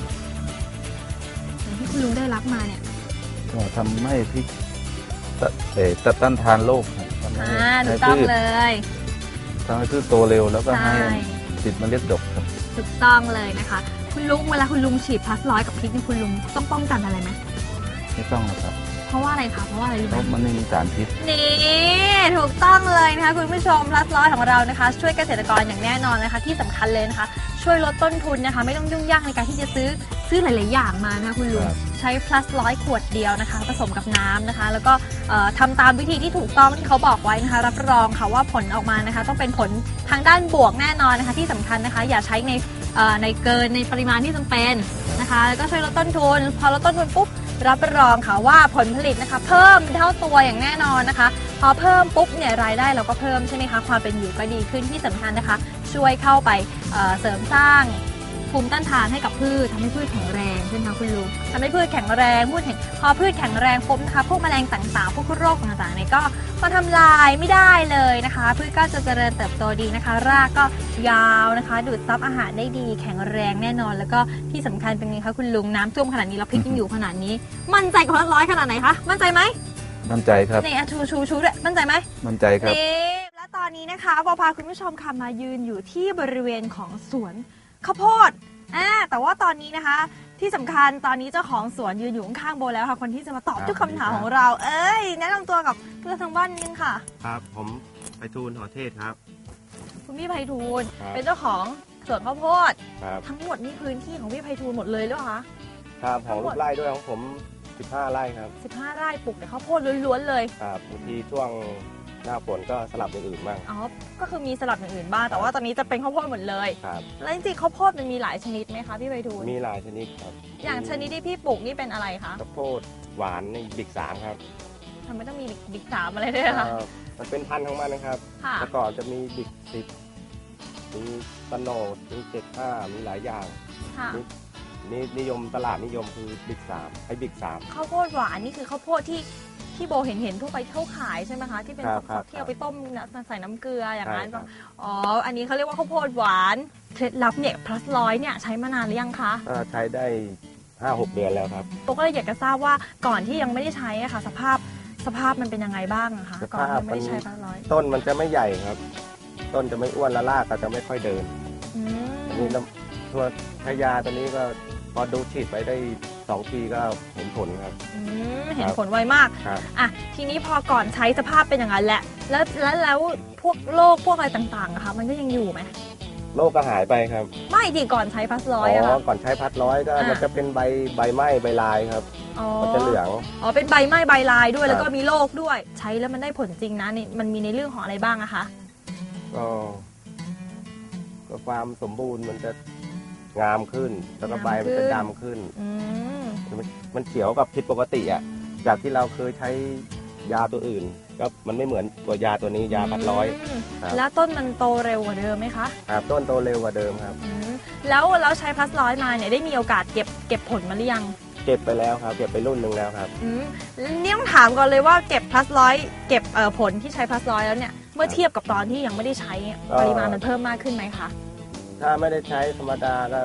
[SPEAKER 10] อย่างที่คุณลุงได้รับมาเนี่ย
[SPEAKER 9] ก็ทำให้พริกตะเอ่อตะต้านทานโรคครับทำให้
[SPEAKER 10] อ่าถู
[SPEAKER 9] ให้
[SPEAKER 10] กต้อง
[SPEAKER 9] พืช
[SPEAKER 10] เลย
[SPEAKER 9] ทำให้พืชโตเร็วแล้วก็ให้
[SPEAKER 10] ใช่
[SPEAKER 9] ติดเมล็ดดกครับ
[SPEAKER 10] ถูกต้องเลยนะคะ คุณลุงเวลาคุณลุงฉีด plus ร้อยกับพริกนี่คุณลุงต้องป้องกันอะไรไหม
[SPEAKER 9] ไม่ต้องหรอกครับ
[SPEAKER 10] เพราะว่าอะไรคะเพราะว่าอะไรรู้
[SPEAKER 9] เพ
[SPEAKER 10] ไหม
[SPEAKER 9] ราะมันไม่มีสารพิษ
[SPEAKER 10] นี่ถูกต้องเลยนะคะคุณผู้ชม plus ร้อยของเรานะคะ ช่วยเกษตรกรอย่างแน่นอนนะคะที่สำคัญเลยนะคะ ช่วยลดต้นทุนนะคะ ไม่ต้องยุ่งยากในการที่จะซื้อซื้อหลาย ๆ อย่างมานะคะคุณลุง
[SPEAKER 9] ครับ
[SPEAKER 10] ใช้ plus ร้อยขวดเดียวนะคะผสมกับน้ำนะคะ แล้วก็เอ่อทำตามวิธีที่ถูกต้องที่เขาบอกไว้นะคะ รับรองค่ะว่าผลออกมานะคะ ต้องเป็นผลทางด้านบวกแน่นอนนะคะที่สำคัญนะคะ อย่าใช้ในเอ่อในเกินในปริมาณที่จำเป็นนะคะ แล้วก็ช่วยลดต้นทุนพอลดต้นทุนปุ๊บรับรองค่ะว่าผลผลิตนะคะ เพิ่มเท่าตัวอย่างแน่นอนนะคะ พอเพิ่มปุ๊บเนี่ยรายได้เราก็เพิ่มใช่ไหมคะความเป็นอยู่ก็ดีขึ้นที่สำคัญนะคะ ช่วยเข้าไปเอ่อเสริมสร้างภูมิต้านทานให้กับพืชทำให้พืชแข็งแรงใช่ไหมคะคุณลุงทำให้พืชแข็งแรงพืชแข็งพอพืชแข็งแรงปุ๊บนะคะพวกแมลงต่างๆ พวกโรคต่างๆเนี่ยก็มาทำลายไม่ได้เลยนะคะ พืชก็จะเจริญเติบโตดีนะคะ รากก็ยาวนะคะ ดูดซับอาหารได้ดีแข็งแรงแน่นอน แล้วก็ที่สำคัญเป็นไงคะคุณลุงน้ำท่วมขนาดนี้เราพริกยังอยู่ขนาดนี้ มั่นใจกับร้อยขนาดไหนคะมั่นใจไหม
[SPEAKER 9] มั่นใจครับ
[SPEAKER 10] นี่ชูชูชูด้วยมั่นใจไหม
[SPEAKER 9] มั่นใจครับ
[SPEAKER 10] นี่และตอนนี้นะคะปอพาคุณผู้ชมค่ะมายืนอยู่ที่บริเวณของสวนข้าวโพดอ่าแต่ว่าตอนนี้นะคะ ที่สำคัญตอนนี้เจ้าของสวนยืนอยู่ข้างๆโบแล้วค่ะคนที่จะมาตอบทุกคำถามของเรา เอ้ยแนะนำตัวกับเพื่อนทางบ้านนิดนึงค่ะ
[SPEAKER 12] ครับผมไพฑูรย์หอเทศครับ
[SPEAKER 10] คุณพี่ไพฑูรย์
[SPEAKER 12] ครับ
[SPEAKER 10] เป็นเจ้าของสวนข้าวโพด
[SPEAKER 12] ครับ
[SPEAKER 10] ทั้งหมดนี่พื้นที่ของพี่ไพฑูรย์หมดเลยหรือเปล่าคะ
[SPEAKER 12] ครับของลูกไร่ด้วยของผมสิบห้าไร่ครับ
[SPEAKER 10] สิบห้าไร่ปลูกแต่ข้าวโพดล้วนๆเลย
[SPEAKER 12] ครับบางทีช่วงหน้าฝนก็สลับอย่างอื่นบ้าง
[SPEAKER 10] อ๋อก็คือมีสลับอย่างอื่นบ้างแต่ว่าตอนนี้จะเป็นข้าวโพดหมดเลย
[SPEAKER 12] ครับ
[SPEAKER 10] แล้วจริงๆข้าวโพดมันมีหลายชนิดไหมคะพี่ไพฑูรย์
[SPEAKER 12] มีหลายชนิดครับ
[SPEAKER 10] อย่างชนิดที่พี่ปลูกนี่เป็นอะไรคะ
[SPEAKER 12] ข้าวโพดหวานในบิ๊กสามครับ
[SPEAKER 10] ทำไมต้องมีบิ๊กสามอะไรด้วยคะ
[SPEAKER 12] เอ่อมันเป็นพันธุ์ของมันนะครับ
[SPEAKER 10] ค่ะ
[SPEAKER 12] แต่ก่อนจะมีบิ๊กสิบมีตะโนดมีเจ็ดห้ามีหลายอย่าง
[SPEAKER 10] ค่ะ
[SPEAKER 12] นี่นิยมตลาดนิยมคือบิ๊กสามไอ้บิ๊กสาม
[SPEAKER 10] ข้าวโพดหวานนี่คือข้าวโพดที่ที่โบเห็นเห็นทั่วไปเขาขายใช่ไหมคะที่เป็น
[SPEAKER 12] ครับ
[SPEAKER 10] ส
[SPEAKER 12] ครับ
[SPEAKER 10] ดๆที่เอาไปต้มน้ำใส่น้ำเกลืออย่างนั้น
[SPEAKER 12] ใช่ครับ
[SPEAKER 10] อ๋ออันนี้เขาเรียกว่าข้าวโพดหวานเคล็ดลับเนี่ย plus ร้อยเนี่ยใช้มานานหรือยังคะ
[SPEAKER 12] ก็ใช้ได้ห้าหกเดือนแล้วครับ
[SPEAKER 10] โบก็เลยอยากจะทราบว่าก่อนที่ยังไม่ได้ใช้อะค่ะ สภาพสภาพมันเป็นยังไงบ้างอะคะ
[SPEAKER 12] ส
[SPEAKER 10] ก่อน
[SPEAKER 12] ภาพ
[SPEAKER 10] ที่ยังไม่ได้ใช้ plus ร้อย
[SPEAKER 12] ต้นมันจะไม่ใหญ่ครับ ต้นจะไม่อ้วนและรากก็จะไม่ค่อยเดิน
[SPEAKER 10] อื
[SPEAKER 12] อัน
[SPEAKER 10] ม
[SPEAKER 12] นี้น้ำตัวใช้ยาตัวนี้ก็พอดูฉีดไปได้สองปีก็เห็นผลครับ
[SPEAKER 10] อืมเห็นผลไวมาก
[SPEAKER 12] ครับ
[SPEAKER 10] อ่ะทีนี้พอก่อนใช้สภาพเป็นอย่างนั้นแหละแล้วแล้วแล้วพวกโรคพวกอะไรต่างๆอะคะมันก็ยังอยู่ไหม
[SPEAKER 12] โรคก็หายไปครับ
[SPEAKER 10] ไม่ดีก่อนใช้ plus ร้
[SPEAKER 12] อ๋
[SPEAKER 10] อยอะค่ะ
[SPEAKER 12] อก่อนใช้พัดร้อยก็
[SPEAKER 10] อ่ามั
[SPEAKER 12] มันจะเป็นใบใบไหม้ใบลายครับ
[SPEAKER 10] อ๋อ
[SPEAKER 12] มันจะเหลือง
[SPEAKER 10] อ๋อเป็นใบไหม้ใบลายด้วย
[SPEAKER 12] ครับ
[SPEAKER 10] แล้วก็มีโรคด้วย ใช้แล้วมันได้ผลจริงนะนี่มันมีในเรื่องของอะไรบ้างอะคะ
[SPEAKER 12] ก็ก็ความสมบูรณ์มันจะงามขึ้น แล้วก็ใบมันจะดำขึ้น
[SPEAKER 10] อืม
[SPEAKER 12] มันมันเขียวกับผิดปกติอ่ะจากที่เราเคยใช้ยาตัวอื่น ก็มันไม่เหมือนตัวยาตัวนี้ยาพัดร้อย
[SPEAKER 10] ม
[SPEAKER 12] ครับ
[SPEAKER 10] แล้วต้นมันโตเร็วกว่าเดิมไหมคะ
[SPEAKER 12] ครับต้นโตเร็วกว่าเดิมครับ
[SPEAKER 10] อืมแล้วเราใช้ plus ร้อยมาเนี่ยได้มีโอกาสเก็บเก็บผลมาหรือยัง
[SPEAKER 12] เก็บไปแล้วครับ เก็บไปรุ่นหนึ่งแล้วครับ
[SPEAKER 10] อืมนี่ต้องถามก่อนเลยว่าเก็บ plus ร้อยเก็บเอ่อผลที่ใช้ plus ร้อยแล้วเนี่ยเมื่อเทียบกับตอนที่ยังไม่ได้ใช้เนี่ย
[SPEAKER 12] ก็
[SPEAKER 10] ปริมาณมันเพิ่มมากขึ้นไหมคะ
[SPEAKER 12] ถ้าไม่ได้ใช้ธรรมดาก็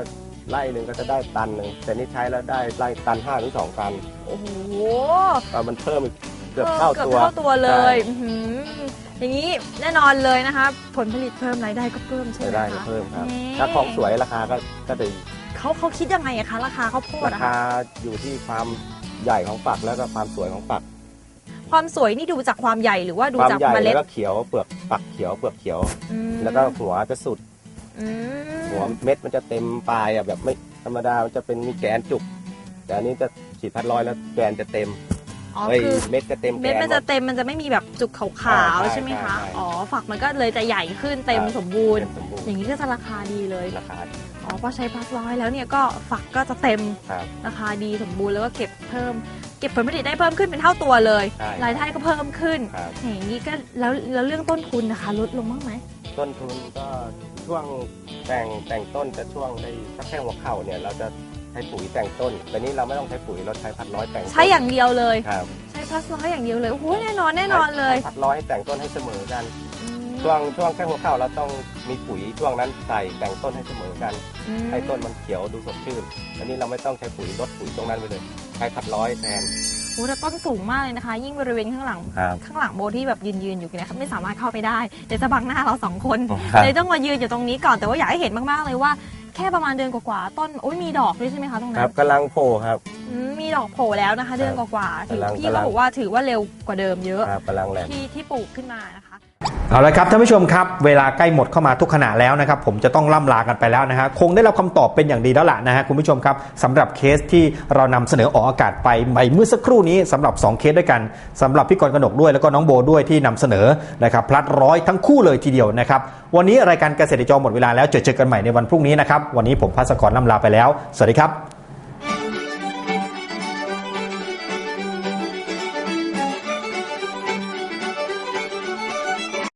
[SPEAKER 12] ไร่หนึ่งก็จะได้ตันหนึ่งแต่นี่ใช้แล้วได้ไร่ตันห้าถึงสองตัน
[SPEAKER 10] โอ้โห
[SPEAKER 12] มันเพิ่มอีกเกือบเท่าตัว
[SPEAKER 10] เกือบเท่าตัวเลยอย่างนี้แน่นอนเลยนะคะผลผลิตเพิ่มรายได้ก็เพิ่มใช่ไหมคะ
[SPEAKER 12] รายได้ก็เพิ่มครับถ้าของสวยราคาก็ก็จะ
[SPEAKER 10] เขาเขาคิดยังไงอะคะราคาข้าวโพด
[SPEAKER 12] ราคาอยู่ที่ความใหญ่ของฝักแล้วก็ความสวยของฝัก
[SPEAKER 10] ความสวยนี่ดูจากความใหญ่หรือว่าดูจากเมล็ด
[SPEAKER 12] แล้วก็เขียวเปลือกฝักเขียวเปลือกเขียวแล้วก็หัวจะสุดหัวเม็ดมันจะเต็มปลายอะแบบไม่ธรรมดามันจะเป็นมีแกนจุกแต่อันนี้จะฉีดพัดร้อยแล้วแกนจะเต็ม
[SPEAKER 10] อ๋อคือ
[SPEAKER 12] เม็ดจะเต็ม
[SPEAKER 10] เม็ดมันจะเต็มมันจะไม่มีแบบจุกขาวๆใช่ไหมคะอ๋อฝักมันก็เลยจะใหญ่ขึ้นเต็มสมบูรณ์อย่างนี้ก็จะราคาดีเลย
[SPEAKER 12] ราคา
[SPEAKER 10] อ๋อพอใช้พัดร้อยแล้วเนี่ยก็ฝักก็จะเต็มราคาดีสมบูรณ์แล้วก็เก็บเพิ่มเก็บผลผลิตได้เพิ่มขึ้นเป็นเท่าตัวเลยรายได้ก็เพิ่มขึ้นอย่างนี้ก็แล้วแล้วเรื่องต้นทุนนะคะลดลงบ้างไหม
[SPEAKER 12] ต้นทุนก็ช่วงแต่งแต่งต้นจะช่วงได้สักแค่หัวเข่าเนี่ยเราจะใช้ปุ๋ยแต่งต้นแต่นี้เราไม่ต้องใช้ปุ๋ยเราใช้พัดร้อยแต่ง
[SPEAKER 10] ใช้อย่างเดียวเลย
[SPEAKER 12] ครับ
[SPEAKER 10] ใช้พัดร้อยอย่างเดียวเลยโอ้โหแน่นอนแน่นอนเลย
[SPEAKER 12] พัดร้อยให้แต่งต้นให้เสมอกันช่วงช่วงแค่หัวเข่าเราต้องมีปุ๋ยช่วงนั้นใส่แต่งต้นให้เสมอกันให้ต้นมันเขียวดูสดชื่นอันนี้เราไม่ต้องใช้ปุ๋ยลดปุ๋ยตรงนั้นไปเลยใช้พัดร้อยแทน
[SPEAKER 10] โอ้แต่ต้นสูงมากเลยนะคะยิ่งบริเวณข้างหลังข้างหลังโบที่แบบยืนยืนอยู่เนี่ยไม่สามารถเข้าไปได้เดี๋ยวจะบังหน้าเราสองคนเลยต้องมายืนอยู่ตรงนี้ก่อนแต่ว่าอยากให้เห็นมากๆเลยว่าแค่ประมาณเดือนกว่าๆต้นโอ้ยมีดอกด้วยใช่ไหมคะตรงนั้น
[SPEAKER 12] ครับกำลังโผล่ครับ
[SPEAKER 10] มีดอกโผล่แล้วนะคะเดือนกว่าๆถือพี่เขาบอกว่าถือว่าเร็วกว่าเดิมเยอะ
[SPEAKER 12] กำลังแรง
[SPEAKER 10] ที่ที่ปลูกขึ้นมานะคะ
[SPEAKER 2] เอาละครับท่านผู้ชมครับเวลาใกล้หมดเข้ามาทุกขณะแล้วนะครับผมจะต้องล่ำลากันไปแล้วนะฮะคงได้รับคำตอบเป็นอย่างดีแล้วล่ะนะฮะคุณผู้ชมครับสำหรับเคสที่เรานำเสนอออกอากาศไปเมื่อสักครู่นี้สำหรับสองเคสด้วยกันสำหรับพี่กรกนกด้วยแล้วก็น้องโบด้วยที่นำเสนอนะครับพลัดร้อยทั้งคู่เลยทีเดียวนะครับวันนี้รายการเกษตรจอหมดเวลาแล้วเจอเจอกันใหม่ในวันพรุ่งนี้นะครับวันนี้ผมภัสกรล่ำลาไปแล้วสวัสดีครับ